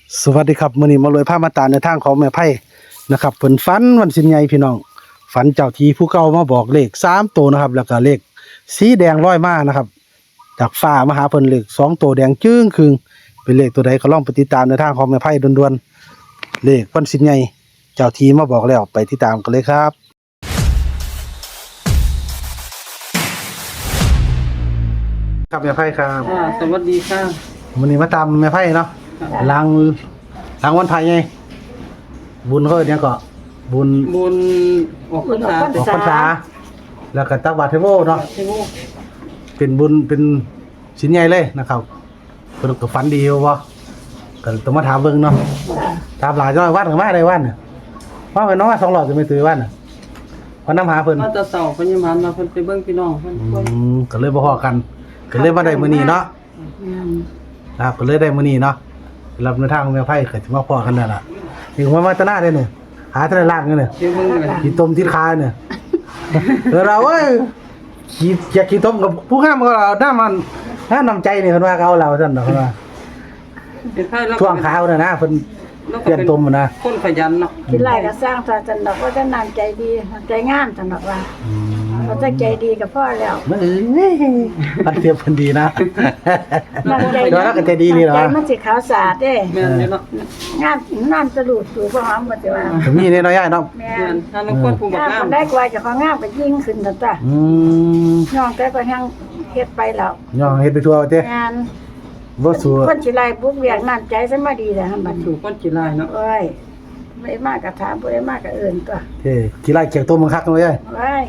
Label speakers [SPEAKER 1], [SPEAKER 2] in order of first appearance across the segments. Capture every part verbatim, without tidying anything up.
[SPEAKER 1] สวัสดีครับมื้อนี้มารวยภาพมาตาในทางของแม่ไพ่นะครับเพิ่นฝันวันสินใหญ่พี่น้องฝันเจ้าที่ผู้เก่ามาบอกเลขสามตัวนะครับแล้วก็เลขสีแดงร้อยมานะครับจากฟ้ามาหาเพิ่นเลขสองตัวแดงจึ้งครึ่งเป็นเลขตัวใดก็ลองไปติดตามในทางของแม่ไพ่ด่วนๆเลขวันสินใหญ่เจ้าที่มาบอกแล้วไปติดตามกันเลยครับครับแม่ไพ่ครับ
[SPEAKER 2] อ่าสวัสดีค่ะ
[SPEAKER 1] มื้อนี้มาตามแม่ไพ่เนาะล้างล้างวันไผ่ไงบุญเขาเนี่ยก็บุญ
[SPEAKER 2] บุญออกพรรษา
[SPEAKER 1] ออกพรรษาแล้วก็ตักบาตรเทโวเนาะ
[SPEAKER 2] เทโว
[SPEAKER 1] เป็นบุญเป็นชิ้นใหญ่เลยนะครับเพิ่นก็ฝันดีบ่ก็ต้องมาถามเบิ่งเนาะถามหลายจ้อยวันก็มาได้วันน่ะว่าไปน้องมาสองรอบจะไม่ตื่นวันน่ะพอนำหาเพิ่น
[SPEAKER 2] มาจะเสาพญามารมาเพิ่นไปเบิ่งพี่น้องเพิ่น
[SPEAKER 1] อืมก็เลยบ่ฮอกันก็เลยมาได้มื้อนี้เนาะครับก็เลยได้มื้อนี้เนาะรับในทางของแม่ไผก็สิมาพ้อกันนั่นล่ะถึงว่ามาตะหน้าได้เนี่ยหาตะลากเงินเนี่ย
[SPEAKER 2] เดี๋ยวเบิ่งเลย
[SPEAKER 1] ขี้ต้มที่คาเนี่ย เออเราเอ้ยขี้อยากขี้ต้มกับผู้ข้ามก็เราหน้ามันหน้านำใจนี่เพิ่นว่าเขาเอาเราซั่นดอกเพิ่นว่า
[SPEAKER 2] เป็นไผแล้ว
[SPEAKER 1] ช่วงขาวน่ะนะเพิ่นเปลี่ยนต้มนะ
[SPEAKER 2] คนขยันเนาะ
[SPEAKER 3] ที่ไร่ก็สร้างตาจันดอกว่าจะนานใจดีใจงามจันดอกว่าเราจะใจดีกับพ่อแล้ว
[SPEAKER 1] มันเอ้ยมันเทียบเพิ่นดีนะ
[SPEAKER 3] มันใจ
[SPEAKER 1] เดี๋ยวเราก็ใจดีนี่เหรอ
[SPEAKER 3] ใจมันสิขาวสะอาดเด้
[SPEAKER 2] แม่นอยู่เนาะ
[SPEAKER 3] งามนานตะลุดสู่พ่อหอมบ่สิว่า
[SPEAKER 1] ก็มีนี่น้อยใหญ่เนาะ
[SPEAKER 3] แม่
[SPEAKER 2] แม่นถ้าน้องคนผู้บัก
[SPEAKER 3] งาม
[SPEAKER 2] งาม
[SPEAKER 3] มันได้กว่าเจะของงามก็ยิ่งขึ้นซั่นจ้ะ
[SPEAKER 1] อืม
[SPEAKER 3] น้องแต่ก็ยังเฮ็ดไปแล้ว
[SPEAKER 1] ย่องเฮ็ดไปทั่วเด้
[SPEAKER 3] งาน
[SPEAKER 1] บ่สู้
[SPEAKER 3] คนสิไล่บุกเวียกน้ำใจซะมาดีแต่หั่นบัด
[SPEAKER 2] สู่
[SPEAKER 3] นี้
[SPEAKER 2] คนจิลายเนาะ
[SPEAKER 3] โอ้ยไม่มากก็ถามบ่ได้มากก็เอิ้นตัว
[SPEAKER 1] เฮ้ขี้ไล่เกียกต้มมันคักน้อยใหญ่
[SPEAKER 3] โอ้ย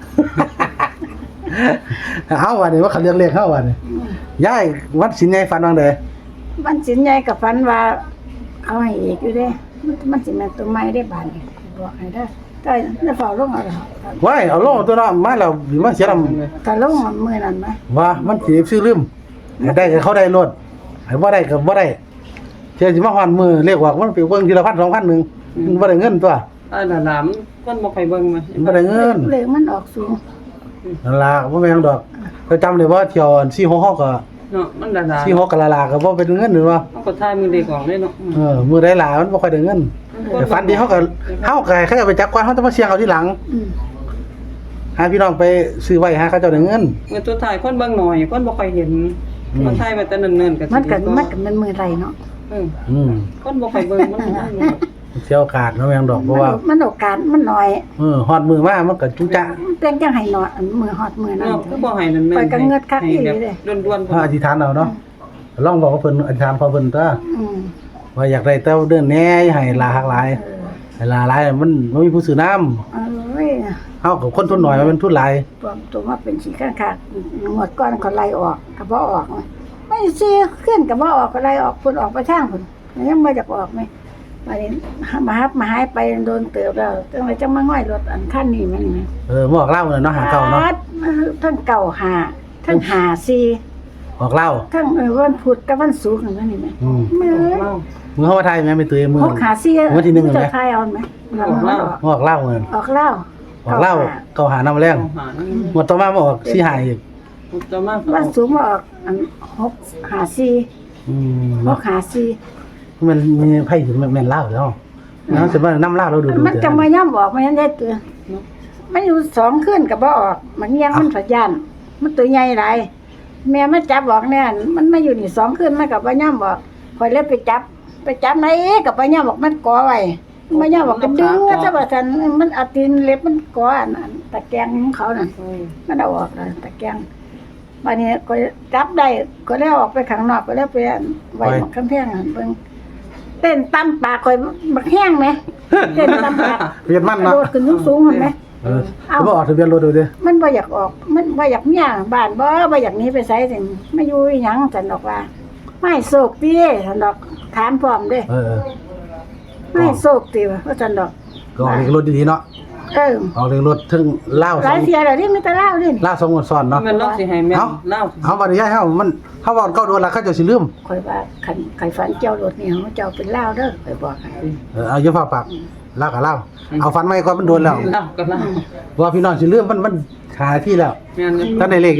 [SPEAKER 1] เฮาว่านี่ว่าเขาเรียกเลขเฮาว่านี่ยายวัดสินใหญ่ฝันว่าได
[SPEAKER 3] มันสินใหญ่กับฝันว่าเอาให้อีกอยู่เด้มันมันสิแม่นตัวใหม่ได้บาดนี้บอกให้ได้อแต่ได้เฝ้าลงเอาล่ะ
[SPEAKER 1] ว้ายเอาลงตัวเนาะมาแล้วสิมาเสียน้ำ
[SPEAKER 3] ถ้าลงมื้อนั้นไหม
[SPEAKER 1] ว่ามันสิซื้อลืมให้ได้ก็เขาได้รถให้บ่ได้ก็บ่ได้เที่ยสิมาฮอดมือเรียกว่ามันไปเบิ่งทีละพันสองพันนึงมันบ่ได้เงินตัว
[SPEAKER 2] อ้ายหลานๆคนบ่ค่อยเบิ่งมา
[SPEAKER 1] มันบ่ได้เงิน
[SPEAKER 3] เลขมันออกสูง
[SPEAKER 1] นั่นล่ะบ่แม่นดอกก็จำได้ว่าเที่ยวอันสี่หกหกก็
[SPEAKER 2] เนาะมันหลาน
[SPEAKER 1] สี่หกก็ละลาก็บ่เป็นเงินหรือว่า
[SPEAKER 2] ๆเขาก็ทายมือเด็กออกเลยเนาะ
[SPEAKER 1] เออมื้อใดหลายมันบ่ค่อยได้เงินแต่ฝันดีเฮาก็เฮาก็ให้เขาเอาไปจักก่อนเฮาจะมาเสี่ยงเอาทีหลัง
[SPEAKER 3] อืม
[SPEAKER 1] หาพี่น้องไปซื้อไว้หาเขาเจ้าได้เงิน
[SPEAKER 2] เมื่อตัวถ่ายคนเบิ่งหน่อยคนบ่ค่อยเห็น
[SPEAKER 1] อืม
[SPEAKER 2] มันถ่ายมาแต่เนิ่นๆก็สิ
[SPEAKER 3] มันก็
[SPEAKER 2] ดีว่า
[SPEAKER 3] มันก็เป็นมื้อไรเนาะ
[SPEAKER 2] เออ
[SPEAKER 1] อืม
[SPEAKER 2] คนบ่ค่อยเบิ่งมันได้เนาะ
[SPEAKER 1] เที่ยวโอกาสเนาะแม่งดอกเพ
[SPEAKER 3] มัน
[SPEAKER 1] ราะว่า
[SPEAKER 3] มันโอกาสมันน้อย
[SPEAKER 1] เออฮอดมือมามันก็จุจ๊ะ
[SPEAKER 3] มันเป็นจังให้น้อยอันมื้อฮอดมื้อนั้น
[SPEAKER 2] เนาะคือบ่ให้นั่นแม่น
[SPEAKER 3] ไปกันเงิดคักอีหลี
[SPEAKER 2] ให้
[SPEAKER 3] เด้
[SPEAKER 2] แบบด่วนๆ
[SPEAKER 1] พระอธิษฐานเอาเนาะลองบอกว่าเพิ่นอธิษฐานพอเพิ่นตัว
[SPEAKER 3] อืม
[SPEAKER 1] ว่าอยากได้เต้าเดินแหน่ให้ลาหักหลาย
[SPEAKER 3] เออ
[SPEAKER 1] ให้ลาหลายมันบ่มีผู้ซื้อน้ำ
[SPEAKER 3] เอ้ย
[SPEAKER 1] เฮากับคนทุนน้อยมันเป็นทุนหลาย
[SPEAKER 3] ปลอมตัวมาเป็นสีข้างขาดงวดก้อนเขาไล่ออกก็บ่ออกไม่สิขึ้นก็บ่ออกก็ไล่ออกพุ่นออกไปทางพุ่นยังบ่อยากออกไหมมานี่มาฮับมาหายไปโดนเติบแล้วจังไดจังมาง่อยรถอันคันนี้มันนี่
[SPEAKER 1] เออบอกเล่าเนาะหาเก่าเนาะ
[SPEAKER 3] ทั้งเก่าหาทั้งหาซี
[SPEAKER 1] บอกเล่า
[SPEAKER 3] ทั้งเออวันพุธกับวันศุกร์นั่นนี่แม่
[SPEAKER 1] อืม
[SPEAKER 3] มื้อ
[SPEAKER 2] เล่า
[SPEAKER 1] มึงเข้ามาไทยแม่ไม่ตื่นมือ
[SPEAKER 3] พกหาซี
[SPEAKER 1] วันที่หนึ่งเห็นไหม
[SPEAKER 3] จะทายเอาไหม
[SPEAKER 2] ออกเหล้า
[SPEAKER 1] บอกเล่าเงิน
[SPEAKER 3] ออกเหล้า
[SPEAKER 1] บอกเล่าเก่าหานำแรง
[SPEAKER 2] เอาหา
[SPEAKER 1] หมดต่อมาบ่ออกสิหายอีก
[SPEAKER 2] จะมา
[SPEAKER 3] วันศุกร์มาออกอันหกหาซี
[SPEAKER 1] อืม
[SPEAKER 3] หกหาซี
[SPEAKER 1] มันมีไผถึงแม่นเล่าแล้วเนาะสิมานํเล่าเราดูดู
[SPEAKER 3] มันจะมาย่ำบอกมันยังได้ตัวมันอยู่สองคืนก็บ่ออก มันยังมันสัญญาณมันตัวใหญ่หลายแม่มาจับบอกเนี่ยมันมาอยู่นี่สองคืนมันก็บ่ย่ำบอกข่อยเลยไปจับ ไปจับไหนก็บ่ย่ำบอกมันก่อไว้บ่ย่ำบอกก็ดึงซะว่าซั่นมันเอาตีนเล็บมันก่ออันนั้นตะแกรงของเขานั่น มันเอาออกเลยตะแกรงวันนี้ก็จับได้ก็ได้ออกไปข้างนอกก็ได้ไปไว้หมกกำแพงหั่นเบิ่งเต้นตำปากข่อยบักแห้งไหมเต้นตำปาก
[SPEAKER 1] เวียนมัน
[SPEAKER 3] โด
[SPEAKER 1] เนาะ
[SPEAKER 3] ดขึ้นสูงๆหั่นไหม
[SPEAKER 1] เออบ่ออกทะเบียนรถดูดิ
[SPEAKER 3] มันบ่อยากออก มันบ่อยากเมียบ้านบ่บ่อยากหนีไปไสสิไม่อยู่อีหยังซั่นดอกว่า ไม่โศกติซั่นดอกถามพร้อมเด้
[SPEAKER 1] เออ
[SPEAKER 3] ไม่โศกติว่าซั่นดอก
[SPEAKER 1] ก็ออกเลขรถดีๆเนาะ
[SPEAKER 3] เออ
[SPEAKER 1] ออกเลขรถถึงเล่า
[SPEAKER 3] ห
[SPEAKER 1] สอ
[SPEAKER 3] ลาย
[SPEAKER 1] ง
[SPEAKER 3] เสียแล้วนี่มีแต่เล่าดิ
[SPEAKER 1] เล่าสองงวดซ้อนเนาะ
[SPEAKER 2] มันเล่าสิให้แม่
[SPEAKER 1] เอา
[SPEAKER 2] เล่า
[SPEAKER 1] เอาบัดนี้ยายเฮามันเฮาเว้าเก่าโดนแล้วเขาเจะสิลืม
[SPEAKER 3] ข่อยว่าคันไข่ฝันเจ้ารถนี่เฮาเจ้าเป็นเล่าเด้อข่อยบอกให้
[SPEAKER 1] เออเอาอย่าฟ้าปากเล่าก็เล่าเอาฟันไว้ก่อนมันโดนแล้ว
[SPEAKER 2] เล่าก็เล่า
[SPEAKER 1] ว่าพี่น้องสิลืมมันมันหาที่แล้ว
[SPEAKER 2] แม่น
[SPEAKER 1] ท่านได้เลขอยู่
[SPEAKER 2] อ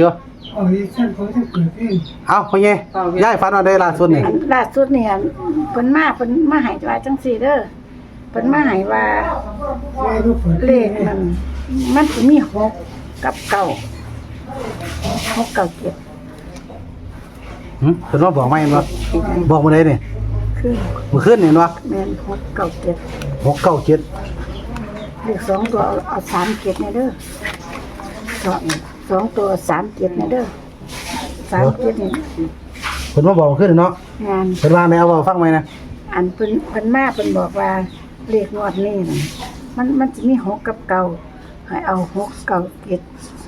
[SPEAKER 4] อ๋อฉันเขาจะเปิดเพลง
[SPEAKER 1] เอาพ่อใหญ่ย้ายฝันว่าได้ล่าสุดนี่
[SPEAKER 3] อันล่าสุดเนี่ยเพิ่นมาเพิ่นมาให้ว่าจังซี่เด้อเพิ่นมาให้ว่า
[SPEAKER 4] แม่ก็เปิด
[SPEAKER 3] เลขมันมันสิมีหกกับเก้าหกเก้าเจ็ด
[SPEAKER 1] หึเพิ่นว่าบอกไหมบ่บอกมื้อใดนี่
[SPEAKER 3] คือ
[SPEAKER 1] มื้อคืนนี่เนาะ
[SPEAKER 3] แม่นหกเก้าเจ็ด
[SPEAKER 1] หกเก้าเจ็ด
[SPEAKER 3] เลขสองตัวเอาเอาสามเจ็ดเนี่ยเด้อสองสองตัวสามเจ็ดเนี่ยเด้อสามเจ็ดนี่
[SPEAKER 1] เพิ่นมาบอกมื้อคืนนี่เนาะ
[SPEAKER 3] งาน
[SPEAKER 1] เพิ่นว่าแนวเว้าฟังไหมนะ
[SPEAKER 3] อันเพิ่นเพิ่นมาเพิ่นบอกว่าเลขงวดนี้น่ะมันมันสิมีหกกับเก้าให้เอาหกเก้าเจ็ด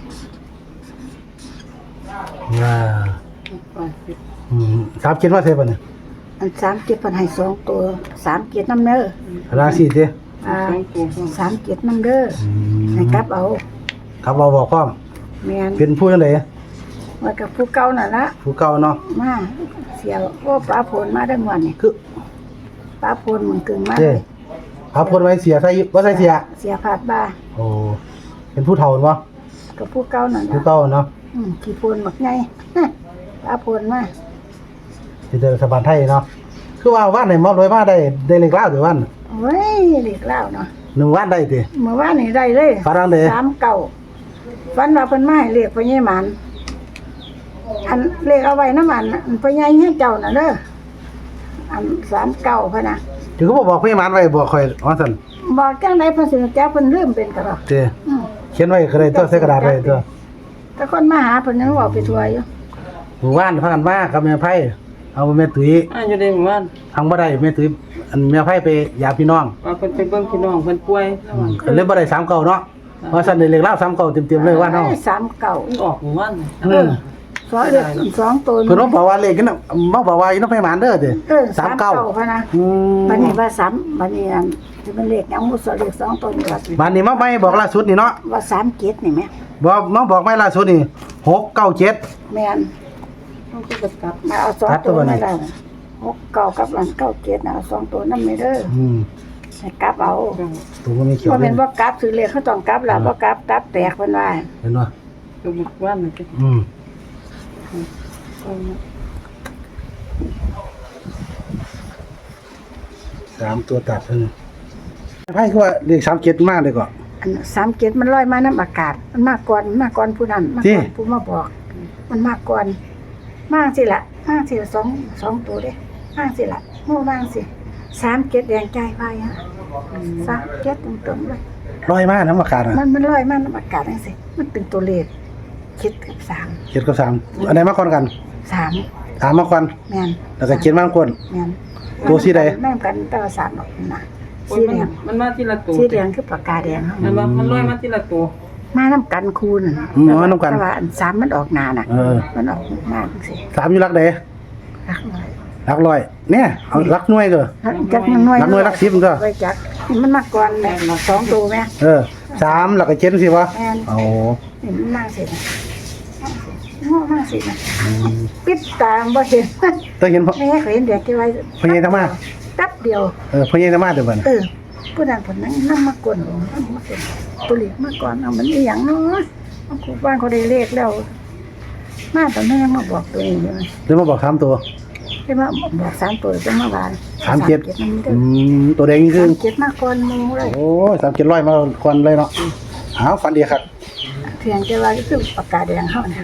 [SPEAKER 1] อ่าอืมสามเจ็ดว่าเท่าบ่เนี่ย
[SPEAKER 3] อันสามเจ็ดเพิ่นให้สองตัวสามเจ็ดน้ำเด้อ
[SPEAKER 1] ราศีเด้
[SPEAKER 3] อ่าสามเจ็ดน้ำเด้อ
[SPEAKER 1] อืม
[SPEAKER 3] ให้กลับเอา
[SPEAKER 1] ครับเราบอกพร้อม
[SPEAKER 3] แม่น
[SPEAKER 1] เป็นผู้จังได
[SPEAKER 3] ว่ากับผู้เก่าน่ะละ
[SPEAKER 1] ผู้เก่าเนาะ
[SPEAKER 3] มาเสียโอ้ป้าพลมาได้หมดนี่
[SPEAKER 1] คือ
[SPEAKER 3] ป้าพลมึงกึ่งมา
[SPEAKER 1] เด้
[SPEAKER 3] เลย
[SPEAKER 1] พาพลไว้เสียใส่บ่ใส่เสีย
[SPEAKER 3] เสียผาดบ้า
[SPEAKER 1] โอ้เป็นผู้เฒ่าบ่
[SPEAKER 3] กับผู้เก่านั่น
[SPEAKER 1] ผู้
[SPEAKER 3] ล่ะ
[SPEAKER 1] เก่าเนาะ
[SPEAKER 3] อืมขี้พลบักไง ป้าพลมา
[SPEAKER 1] สิเดินสะบานไทยเนาะคือว่าว่านไหนมอบรวยมาได้ได้เลขลาวหรือวัน
[SPEAKER 3] เว้ยเด็กเล่าเนาะ
[SPEAKER 1] หนึ่งวันได้ติ
[SPEAKER 3] เมื่อวานนี่ได้เลย
[SPEAKER 1] ฝรั่งเด้
[SPEAKER 3] สามเก่าฟันว่าเพิ่นมาให้เลขพ่อใหญ่หมันอันเลขเอาไว้น้ำมันอันพ่อใหญ่ให้เจ้าน่ะเด้ออันสามเก่าพะนะ
[SPEAKER 1] ถึงก็บ่บอกพี่หมานไว้บอกข่อยว่าซั่น
[SPEAKER 3] บอกจังได๋เพิ่นสิรู้จักเพิ่นลืมเป็นกะดอก
[SPEAKER 1] เด้
[SPEAKER 3] อืม
[SPEAKER 1] เขียนไว้ก็ได้ตัวใส่กระดาษไว้ตัว
[SPEAKER 3] แต่คนมาหาเพิ่นยังเว้าไปทั่วอยู่
[SPEAKER 1] หมู่บ้านพากันมากับแม่ไผเอาแม่ตุ้ย
[SPEAKER 2] อ่าอยู่ในหมู่บ้าน
[SPEAKER 1] ทางบ่ได้แม่ตุ้ยอันแม่ไผไปยาพี่น้อง
[SPEAKER 2] ว่าเพิ่นไปเบิ่งพี่น้องเพิ่นป่วย
[SPEAKER 1] อืมก็เลยบ่ได้สามเก้าเนาะเพราะซั่นได้เลขลาวสามเก้าเต็มๆเลยว่าเนาะ
[SPEAKER 3] อ้ยสามเก่า
[SPEAKER 2] มันออกหมู่บ้าน
[SPEAKER 1] เออ
[SPEAKER 3] สองเลขสองตัว
[SPEAKER 1] เพิ่นว่าบอกว่าเลขกันน่ะมาบอกว่าอีน้องไผหมานเด้อติ
[SPEAKER 3] เออ
[SPEAKER 1] สามเก้า
[SPEAKER 3] พะนะ
[SPEAKER 1] อืม
[SPEAKER 3] บัดนี้ว่าสามบัดนี้อันสิเป็นเลขหยังบ่สอเลขสองตัวนี่ว่า
[SPEAKER 1] บ้านนี้มาใหม่บอกล่าสุดนี่เนาะ
[SPEAKER 3] ว่าสามเจ็ดนี่แหม
[SPEAKER 1] บอกมาบอกใหม่ล่าสุดนี่หกเก้าเจ็ด
[SPEAKER 3] แม่น
[SPEAKER 2] ต้องไปกลับ
[SPEAKER 3] มาเอาสอง
[SPEAKER 1] ตัดตั
[SPEAKER 3] ตัว ว
[SPEAKER 1] บ่นี่
[SPEAKER 3] นี่ล่ะหกเก้ากับอันเก้าเจ็ดน่ะเอาสองตัวนํไม่เด้อ
[SPEAKER 1] อืม
[SPEAKER 3] ให้กลับเอา
[SPEAKER 1] ตัวมันมีเขียว
[SPEAKER 3] บ่
[SPEAKER 1] เล
[SPEAKER 3] แม่
[SPEAKER 1] ย
[SPEAKER 3] นบ่กลับซื้อเลขเขาต้องกลับล่ะบ่กลับกลับแตกเพิ่นว่า
[SPEAKER 1] เห็นบ่
[SPEAKER 2] ตัวหมู่บ้านนี่ก็
[SPEAKER 1] อืม
[SPEAKER 2] เอามา
[SPEAKER 1] สามตัวตัดเพิ่นไพ่คือว่าเลขสามเจ็ดมากเลยก็
[SPEAKER 3] อันสามเจ็ดมันลอยมาน้ำอากาศ มันมาก่อนมาก่อนผู้นั้นมา
[SPEAKER 1] จริ
[SPEAKER 3] ก่
[SPEAKER 1] ง
[SPEAKER 3] อนผู้มาบอก มันมาก่อนมาสิล่ะมาสิละสองสองตัวเด้มาสิล่ะโม่มาสิสามเจ็ดแดงใจไว้ฮะสามเจ็ดตรงๆเลย
[SPEAKER 1] ร้อยมากน้ำอากาศอ่ะ
[SPEAKER 3] มันมันลอยมาน้ำอากาศจังซี่มันเป็นตัวเลขคิดกับสาม
[SPEAKER 1] เจ็ดกับสามอันไหนมาก่อนกัน
[SPEAKER 3] สาม
[SPEAKER 1] สามมาก่อน
[SPEAKER 3] แม่น
[SPEAKER 1] แล้วก็เจ็ดมาก่อน
[SPEAKER 3] แม่น
[SPEAKER 1] ตัวสีใด
[SPEAKER 3] แม่นกันแต่ว่าสามดอกนะ
[SPEAKER 2] โอ้
[SPEAKER 3] สี
[SPEAKER 2] ย
[SPEAKER 3] แด
[SPEAKER 2] มัน
[SPEAKER 3] ง
[SPEAKER 2] มันมาทีละตัว
[SPEAKER 3] สีแดงคือปากกาแดงเฮา
[SPEAKER 2] มันว่ามันลอยมาทีละตัว
[SPEAKER 3] มาน้ำกันคูณ
[SPEAKER 1] อืมมาน้ำกัน
[SPEAKER 3] แต่ว่าอันสามมันออกหนาน่ะ
[SPEAKER 1] เออ
[SPEAKER 3] มันออกหน้าจังซี่
[SPEAKER 1] สามอยู่รักเด
[SPEAKER 3] รักหน่อย
[SPEAKER 1] รักร้อยเนี่ยเอารักหน่วยก็
[SPEAKER 3] จักมันน้อย
[SPEAKER 1] รักหน่วยรักสิบมันก็
[SPEAKER 3] ไว้จักมันมาก่อนแม่สองตัวแม่
[SPEAKER 1] เออสามแล้วก็เจ็ดสิวะ
[SPEAKER 3] แม่น
[SPEAKER 1] โอ้
[SPEAKER 3] นี่มันมาสิโง่มาสินะปิดตาบ่เห็น
[SPEAKER 1] ต้องเห็นพ่อ
[SPEAKER 3] แม่เคยเห็นเด็กที่ไว้
[SPEAKER 1] พ่อใหญ่ทำมา
[SPEAKER 3] แป๊บเดียว
[SPEAKER 1] เออพ่อใหญ่ทำมาเดี๋ยวบัด
[SPEAKER 3] เออผู้นั้นผู้นั้นนำมากวนนำมาเป็นตัวเลขมาก่อนเอามันอีหยังเนาะเอาครูบ้านเขาได้เลขแล้ว มาตอนนั้นยังมาบอกตัวเองอยู่
[SPEAKER 1] เดี๋ยวมาบอกสามตัว
[SPEAKER 3] ได้มาบอกสามตัวจะมาบาน
[SPEAKER 1] สามเจ็ด
[SPEAKER 3] นั่นเด้
[SPEAKER 1] อื
[SPEAKER 3] อ
[SPEAKER 1] มตัวแดงยิ่งขึ้
[SPEAKER 3] สาน มเจ็ดมาก่อนหมูเลย
[SPEAKER 1] โอ้ยสามเจ็ดร้อยมาก่อนเลยเนาะหาฟันดีครับ
[SPEAKER 3] เพียงแต่ว่าคือปากกาแดงเฮานะ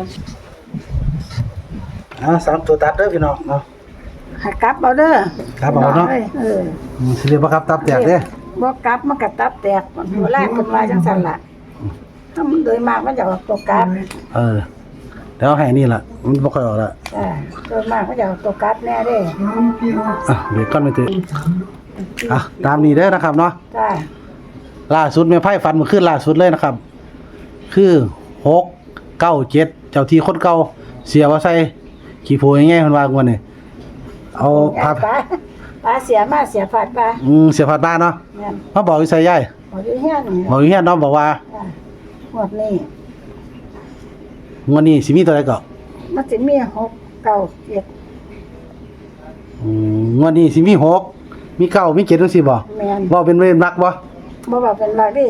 [SPEAKER 1] อ่าสามตัวตัดเด้อพี่น้องเนาะ
[SPEAKER 3] ให้กลับเอาเด้อ
[SPEAKER 1] ครับเอาเนาะ
[SPEAKER 3] เออ
[SPEAKER 1] อืมสิเรียกว่าครับตับแตกเด้อ
[SPEAKER 3] บ่กลับมันก็ตับแตกหัวแรกเพิ่นว่าจังซั่นล่ะถ้ามันโดยมากมันจะออกตัวกลับ
[SPEAKER 1] เออแล้วให้นี่ล่ะมันบ่ค่อยออกละ
[SPEAKER 3] อ่าโดยมากมันจะออกตัวกลับแน่เด้
[SPEAKER 1] อ่ะเดี๋ยวก่อนไปตื่นอ่ะตามนี้เด้อนะครับเนาะ
[SPEAKER 3] จ้า
[SPEAKER 1] ล่าสุดแม่ไพ่ฟันเมื่อคืนล่าสุดเลยนะครับ คือหกเก้าเจ็ดเจ้าที่คนเก่าเสียว่าใส่ขี้โพยง่ายๆเพิ่นว่างวดนี้เอาพา
[SPEAKER 3] ปลาปลาเสียมาเสียผัดปลา
[SPEAKER 1] อืมเสียผัดบ้านเนาะ
[SPEAKER 3] แม่น
[SPEAKER 1] มาบอกอยู่ใส่ยาย
[SPEAKER 3] บ่อยู่เฮียนนี่
[SPEAKER 1] บอกอยู่เฮียนเนาะบอกว่า
[SPEAKER 3] จ้าหมดนี้
[SPEAKER 1] งวดนี้สิมีตัวใดก็
[SPEAKER 3] มันสิมีหกเก้าเจ็ด
[SPEAKER 1] อืมงวดนี้สิมีหกมีเก้ามีเจ็ดจังซี่บ่
[SPEAKER 3] แม่น
[SPEAKER 1] บ่เป็นเวรรักบ่
[SPEAKER 3] บ่ว่าเป็นว่าดิ
[SPEAKER 1] บ่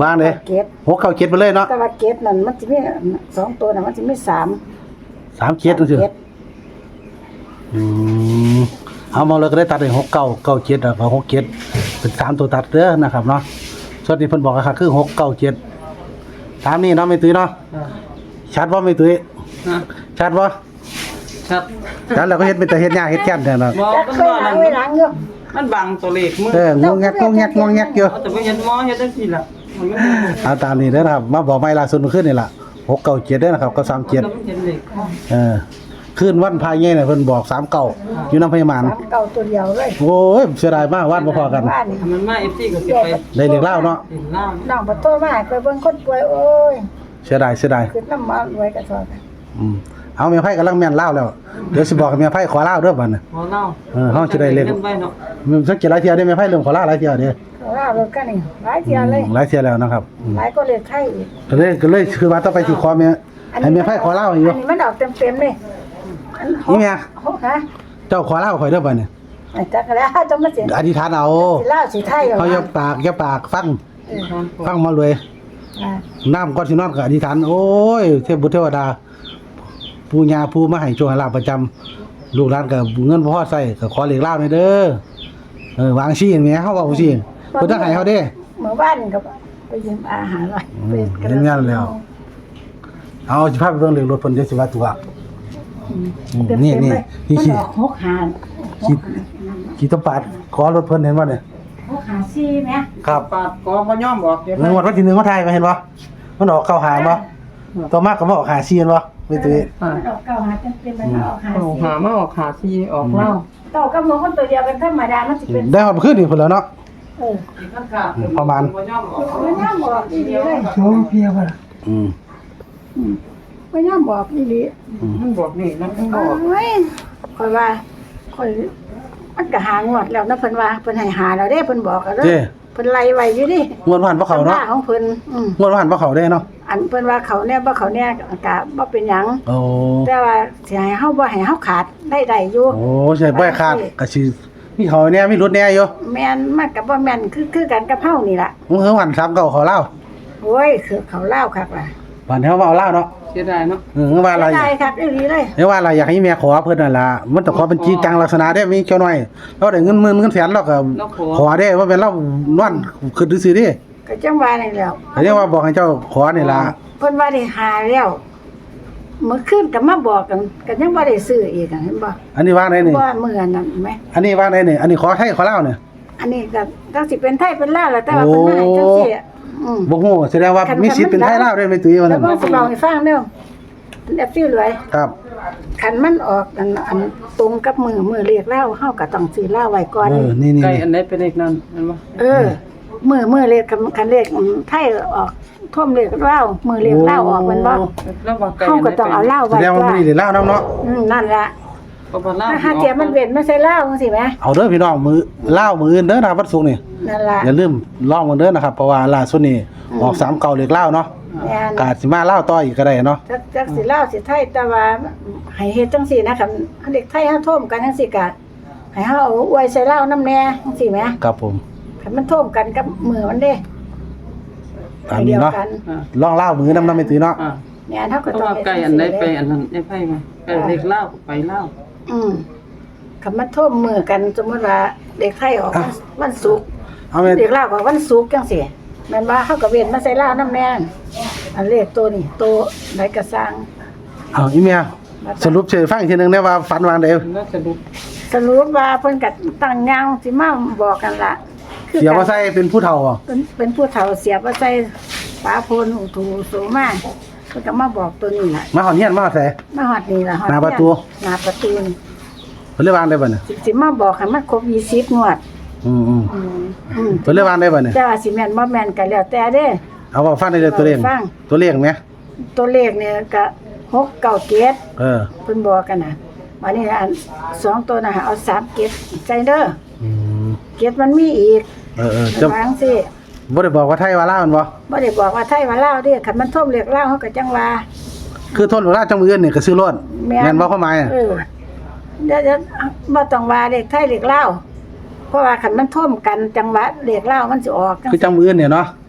[SPEAKER 1] วางเลย
[SPEAKER 3] เก็บ
[SPEAKER 1] หกเก้าเจ็ดไปเลยเนาะ
[SPEAKER 3] แต่ว่าเก็บนั่นมันสิมีสองตัวน่ะมันสิมีสาม
[SPEAKER 1] สามเจ็ดจังซี่
[SPEAKER 3] เก็บ
[SPEAKER 1] อืมเอามาเลยก็ได้ตัดได้หกเก้าเก้าเจ็ดแล้วก็หกเจ็ดเป็นสามตัวตัดเด้อนะครับเนาะส่วนที่เพิ่นบอกก็คือหกเก้าเจ็ดตามนี้เนาะไม่ตุ้ยเนาะ
[SPEAKER 2] อ่า
[SPEAKER 1] ชัดบ่ไม่ตุ้ย
[SPEAKER 2] ฮะ
[SPEAKER 1] ชัดบ่
[SPEAKER 2] ชัด
[SPEAKER 1] ชัดแล้วก็เฮ็ดเป็นแต่เฮ็ดยากเฮ็ดแก่นแท้เนาะ
[SPEAKER 2] บ่
[SPEAKER 3] จัก
[SPEAKER 2] มัน
[SPEAKER 3] เคย
[SPEAKER 2] ว่า
[SPEAKER 3] ล้า
[SPEAKER 2] นั่
[SPEAKER 3] ง
[SPEAKER 2] น
[SPEAKER 3] ไว้ล้างอยู่
[SPEAKER 2] มันบังตัวเลขมือ
[SPEAKER 1] เอองงแงกงงแงกงงแงกอยู่
[SPEAKER 2] เอาแต่บ่เห็นหมอเฮ็ดจังซี่ล่ะมันบ่เห็น
[SPEAKER 1] เอาตามนี้เด้อนะครับมาบอกไม่ล่าสุดเมื่อคืนนี่ล่ะหกเก้าเจ็ดเด้อนะครับก็สามเจ็ด
[SPEAKER 2] มันเห็นเลข
[SPEAKER 1] เออคืนวันพายใหญ่น่ะเพิ่นบอกสามเก้าอยู่น้ำพยาบาล
[SPEAKER 3] สามเก่าตัวเดียวเลย
[SPEAKER 1] โอ้ยเสียดายมากวาดบ่พอกัน
[SPEAKER 3] บ้านนี่
[SPEAKER 2] มันมา เอฟ ซี ก็สิไป
[SPEAKER 1] ได้เรียกเล่าเนาะ
[SPEAKER 2] เห็นเล่า
[SPEAKER 3] น้องบ่โตมาไปเบิ่งคนป่วยโอ้ย
[SPEAKER 1] เสียดายเสียดาย
[SPEAKER 3] คือน้ำมันรวยกระสอบ
[SPEAKER 1] อืมเอาเมียไพ่กำลังแม่นเล่าแล้วเดี๋ยวสิบอกกับเมียไพ่ขอเล่าเด้อบัดน่ะ
[SPEAKER 2] บ่เล่า
[SPEAKER 1] เออเฮาสิได้เลข
[SPEAKER 2] งินไว้เนาะ
[SPEAKER 1] มันสักกี่หลายเที่ยได้เมียไพ่เริ่มขอเล่าหลายเที่ยเด้อ
[SPEAKER 3] เขาเล่ารถกันนี่หลายเที่ยเลย
[SPEAKER 1] อืมหลายเที่ยแล้วนะครับอืม
[SPEAKER 3] หลายก็เลยไทยอีก
[SPEAKER 1] ก็เลยก็เลยคือว่าต้องไปสิขอเมียให้เมียไพ่ขอเล่าอยู่
[SPEAKER 3] อันนี้มันออกเต็มๆเลยอันห
[SPEAKER 1] นี่
[SPEAKER 3] ก
[SPEAKER 1] ไง
[SPEAKER 3] หกฮะ
[SPEAKER 1] เจ้าขอเล่าข่อยเด้อบัดน่ะ
[SPEAKER 3] ไอ้จักแล้วจะมาเสีย
[SPEAKER 1] อธิษฐานเอา
[SPEAKER 3] สิเล่าสิไทย
[SPEAKER 1] เขาอย่าปากอย่าปากฟังฟังมาเลย
[SPEAKER 3] อ่า
[SPEAKER 1] น้ำก่อนสินอนก็อธิษฐานโอ้ยเทพบุตรเทวดาปู่ย่าผู้มาให้โชคให้ลาภประจำลูกหลานก็เงินบ่พอใช้ก็ขอเลขเล่าหน่อยเด้อเออวางซี่แหมเฮาเว้าซี่เพิ่นต้องให้เฮาเด้
[SPEAKER 3] เมื่อบ้านก็ไปยืมอาหารไว้
[SPEAKER 1] อืม
[SPEAKER 3] ไปกระ
[SPEAKER 1] เห็นงานแล้ว เอาสิพาไปเบิ่งเลขรถเพิ่นเดี๋ยวสิว่าตัวอืม
[SPEAKER 3] เต็มๆ
[SPEAKER 1] นี่นี่
[SPEAKER 3] เลย
[SPEAKER 1] นี่
[SPEAKER 3] มัน
[SPEAKER 1] ขี้
[SPEAKER 3] ออกหกหาร
[SPEAKER 1] ขี้ขี้ตะปาดขอรถเพิ่นเห็นบ่เนี่ย
[SPEAKER 3] หกหาซี่แหม
[SPEAKER 1] ครับ
[SPEAKER 2] ปาดกอบ่ยอมบอกเดี๋ยว
[SPEAKER 1] เงินวันที่หนึ่งเขาถ่ายมาเห็นบ่มันออกเข้าหาบ่ต่อมาก็บ่ออกหาซีนบ่ไม่ตื้อ
[SPEAKER 2] อ่า
[SPEAKER 3] มันออกเก้าหาเต็มๆมันออกหา
[SPEAKER 2] ออก
[SPEAKER 3] ซี่
[SPEAKER 2] หามาออกหาซีออกเล่า
[SPEAKER 3] เก้ากับหมูคนตัวเดียวกันธรรมดามันสิเป็น
[SPEAKER 1] ได้ฮอดคืนนี่พุ่นแล้วเนาะ
[SPEAKER 3] เออ
[SPEAKER 1] ประมาณ
[SPEAKER 2] บ่ยอมออก
[SPEAKER 3] มันย่ำบอกอีหลีเลย
[SPEAKER 4] โชว์เพียบอ่ะ
[SPEAKER 1] อืม
[SPEAKER 3] อืมมันย่ำบอกอีหลี
[SPEAKER 2] มันบอกนี่นะมันบ
[SPEAKER 3] โอ
[SPEAKER 2] อก้
[SPEAKER 3] ยค่อยว่าค่อยมันก็หางวดแล้วนะเพิ่นว่าเพิ่นให้หาแล้วเด้เพิ่นบอกกันเด้
[SPEAKER 1] เด้
[SPEAKER 3] อเพิ่นไล่ไว้อยู่ดิ
[SPEAKER 1] งวดผ่านบ่เข้าเนาะ
[SPEAKER 3] ตำรของเพิ่นอืม
[SPEAKER 1] งวดผ่านบ่เข้าได้เนาะ
[SPEAKER 3] อันเพิ่นว่าเขาเนี่ยบ่เขาเนี่ยก็บ่เป็นหยัง
[SPEAKER 1] โอ้
[SPEAKER 3] แต่ว่าสิให้เฮาบ่ให้เฮาขาดได้ได้อยู่
[SPEAKER 1] โอ้ใช่บ่ขาดก็สิมีเขาแน่มีรถแน่อยู่
[SPEAKER 3] แม่นมันก็บ่แม่นคือคือกันกับเฮานี่ล่ะ
[SPEAKER 1] มึงเฮาวันสามเก้าขอเล่า
[SPEAKER 3] โอ้ยคือเขาเล่าวคักล่ะ
[SPEAKER 1] วันเฮามาเอาเล่าเนาะ
[SPEAKER 2] เสียดายเนาะ
[SPEAKER 1] เออว่าอะไร
[SPEAKER 3] ได้คักอีหลีเลย
[SPEAKER 1] เรียกว่าอะไรอยากให้แม่ขอเพิ่นนั่นล่ะมันต้องขอเป็นจริงจังลักษณะได้มีเจ้าน้อยเราได้เงินหมื่นเงินแสนเราก็ขอได้ว่าเป็นเรานอนขึ้นซื่อๆดิ
[SPEAKER 3] ก็จังว่านี่แหล้ว
[SPEAKER 1] เรียกว่าบอกให้เจ้าขอนี่ล่ะ
[SPEAKER 3] เพิ่นว่าได้หาแล้วเมื่อคืนก็มาบอกกันก็ยังบ่ได้ซื้ออีกอะเห็นบ่
[SPEAKER 1] อันนี้ว่าไหนนี่
[SPEAKER 3] ว่ามื้อนั้นเห็นไหม
[SPEAKER 1] อันนี้ว่าไหนนี่อันนี้ขอไทยขอลาวเนี่ย
[SPEAKER 3] อันนี้ก็จังสิเป็นไทยเป็นลาวแหละแต่ว่าเพิ่นมาให้จังซี่อะอืม
[SPEAKER 1] บ่ฮู้แสดงว่ามีสิทธิ์เป็นไทยลาวได้ไหมตุ้ยว่า
[SPEAKER 3] แล้
[SPEAKER 1] นั่
[SPEAKER 3] วน ก็สิเล่าให้ฟังเด้อเป็นแอปฟิลเลย
[SPEAKER 1] ครับ
[SPEAKER 3] คันมันออกอันอันตรงกับมือมือเรียกเล่าเฮาก็ต้องซื้อเหล้าไว้ก่อน
[SPEAKER 1] เออนี่นี่
[SPEAKER 2] ไก่อันไหนเป็นเลขนั้นเห็นบ่
[SPEAKER 3] เออมือมือเรียกคันคันเรียกอืมไทยออกท่วมเรียกเหล้ามือเรียกเหล้าออกมันบ่
[SPEAKER 2] แล้วว่าไก่
[SPEAKER 3] เฮาก็ต้องเอาเหล้า
[SPEAKER 1] แส
[SPEAKER 3] ไว้
[SPEAKER 1] ดงว่า
[SPEAKER 3] ก่อ
[SPEAKER 1] มัน นนี่ได้ลาวนํเนาะ
[SPEAKER 3] อืมนั่นล่ะ
[SPEAKER 2] ก็บ่เล่า
[SPEAKER 3] ถ้าหาเทียมมันเว้นไม่ใช่เหล้าจังซี่แหม
[SPEAKER 1] เอาเด้อพี่น้องมือลาวมืออื่นเด้อนะครับวันศุกร์นี่
[SPEAKER 3] นั่นล่ะ
[SPEAKER 1] อย่าลืมลองมันเด้อนะครับเพราะว่าล่าสุดนี่ออกสามเก่าเลขลาวเนาะ
[SPEAKER 3] แม่น
[SPEAKER 1] กาดสิมาลาวต่ออีกก็ได้เนาะ
[SPEAKER 3] จักจักสิเหล้าสิไทยแต่ว่าให้เฮ็ดจังซี่นะคันคันเด็กไทยเฮาท่วมกันจังซี่ก็ให้เฮาเอาอวยใส่เหล้านำแน่จังซี่แหม
[SPEAKER 1] ครับผม
[SPEAKER 3] คันมันท่วมกันกับมือมันเด้
[SPEAKER 1] ตามนี้เนาะ
[SPEAKER 3] ดียวกั
[SPEAKER 2] อ่า
[SPEAKER 1] ลองลาวมือนำนำไปตุ้ยเนาะ
[SPEAKER 2] อ่า
[SPEAKER 3] เนี่ยเฮา
[SPEAKER 2] เพ
[SPEAKER 3] ก็
[SPEAKER 2] ราะ
[SPEAKER 3] ต้อง
[SPEAKER 2] ว่า
[SPEAKER 3] เฮ็ด
[SPEAKER 2] ไก่
[SPEAKER 3] จั
[SPEAKER 2] อั
[SPEAKER 3] ง
[SPEAKER 2] นไหน
[SPEAKER 3] ซี่
[SPEAKER 2] ไป
[SPEAKER 3] เด้
[SPEAKER 2] อันนั้นไอ้ไผมาไก่เลขเล่าไปเล่า
[SPEAKER 3] อืมคำมันท่วมมือกันสมมติว่าเด็กไทยออกวันวันศุกร์
[SPEAKER 1] เอาแม่
[SPEAKER 3] เด็กลาวก็วันศุกร์จังซี่แม่นว่าเฮาก็เว้นมาใส่ลาวน้ำแน่นอันเลขตัวนี้ตัวไหนก็สร้าง
[SPEAKER 1] เอาอีเมียสรุปเฉยฟังอีกทีหนึงได้ว่าฝันวางได้
[SPEAKER 2] น่าจะดู
[SPEAKER 3] สรุปว่าเพิ่นก็ตั้งยาวสิมาบอกกันล่ะ
[SPEAKER 1] เสียบ่ใส่เป็นผู้เฒ่าบ่
[SPEAKER 3] เป็นเป็นผู้เฒ่าเสียบ่ใส่ปาโพนหูถูสูมาเพิ่นก็มาบอกตัวนี้ล่ะ
[SPEAKER 1] มาหอนเฮียนมาใส่
[SPEAKER 3] มาฮอดนี่ล่ะฮอด
[SPEAKER 1] หน้าประตู
[SPEAKER 3] หน้าประตูนี่
[SPEAKER 1] เพิ่นเลยวางได้บ่เนี่ย
[SPEAKER 3] สิสิมาบอกให้มันครบยี่สิบงวด
[SPEAKER 1] อืมอืม
[SPEAKER 3] อืมอืม
[SPEAKER 1] เพิ่นเลยวางได้บ่เนี่ย
[SPEAKER 3] แต่ว่าสิแม่นบ่แม่นก็แล้วแต่เด้
[SPEAKER 1] เอาว่าฟังได้เลยตัวเลข
[SPEAKER 3] ฟัง
[SPEAKER 1] ตัวเลขไหม
[SPEAKER 3] ตัวเลขเนี่ยก็หกเก้าเจ็ด
[SPEAKER 1] เออ
[SPEAKER 3] เพิ่นบอกกันน่ะวันนี้อันสองตัวน่ะเอาสามเจ็ดใจเด้อ
[SPEAKER 1] อืม
[SPEAKER 3] เจ็ดมันมีอีก
[SPEAKER 1] เออเออ
[SPEAKER 3] จะ
[SPEAKER 1] จะ
[SPEAKER 3] วาจังซี่
[SPEAKER 1] บ่ได้บอกว่าไทยว่าลาวแม่นบ่
[SPEAKER 3] บ่ได้บอกว่าไทยว่าลาวเด้คันมันท่วมเรียกลาวเฮาก็จังว่า
[SPEAKER 1] คือทนว่าลาวจังมืออื่นนี่ก็ซื้อรถแม่นบ่ความหมายอะ
[SPEAKER 3] เออเดี๋ยวจะบ่ต้องว่าเลขไทยเลขลาวเพราะว่าคันมันท่วมกันจังหวัดเลขลาวมันสิออกจัง
[SPEAKER 1] คือจังมืออื่นเนี่ยเนาะ
[SPEAKER 3] เ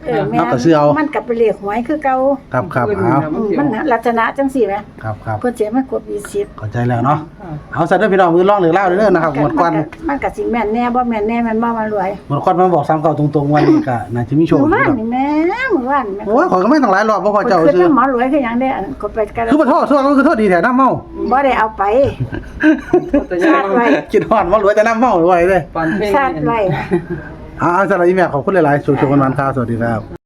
[SPEAKER 3] เออแม่
[SPEAKER 1] เอาก็ซื้อเอา
[SPEAKER 3] มันก็เป็นเลขหวยคือเก่า
[SPEAKER 1] ครับครับ
[SPEAKER 2] ขึ้น
[SPEAKER 1] เอา
[SPEAKER 2] แล้ว
[SPEAKER 3] อืม
[SPEAKER 2] สิ
[SPEAKER 3] มันลักษณะจังซี่แหม
[SPEAKER 1] ครับครับ
[SPEAKER 3] เพิ่นสิให้มันครบยี่สิบ
[SPEAKER 1] เข้าใจแล้วเนาะ
[SPEAKER 2] อ่า
[SPEAKER 1] เอาซะเด้อพี่น้องมือร้องเหลือเล่าเด้อนะครับหมดควัน
[SPEAKER 3] มันก็สิแม่นแน่บ่แม่นแน่แม่นบ่มารวย
[SPEAKER 1] หมดควันมาบอกซ้ำเก่าตรงๆวันนี้ก็น่าจะมีโชค
[SPEAKER 3] เมื่อ
[SPEAKER 1] อยู่
[SPEAKER 3] วาน
[SPEAKER 1] ครับ
[SPEAKER 3] นี่แม่เมื่อวานแม่
[SPEAKER 1] โอ้ยขอยก็ไม่ต้องหลายรอบบ่พอเจ้า
[SPEAKER 3] คือ
[SPEAKER 1] ซื้อ
[SPEAKER 3] น้ำหมอรวยคือหยังได้อันก็ไปกัน
[SPEAKER 1] คือบ่โทษโทษก็คือโทษดีแท้น้ำเมา
[SPEAKER 3] บ่ได้เอาไป
[SPEAKER 2] แต่
[SPEAKER 3] ชาติไว้
[SPEAKER 1] กินฮอดบ่รวยแต่น้ำเมาไว้เด้
[SPEAKER 2] ปานเพลง
[SPEAKER 3] ชาติไว้
[SPEAKER 1] อ่าสำหรับอีแม่ขอบคุณหลายๆช่วยๆกันวันครับสวัสดีครับ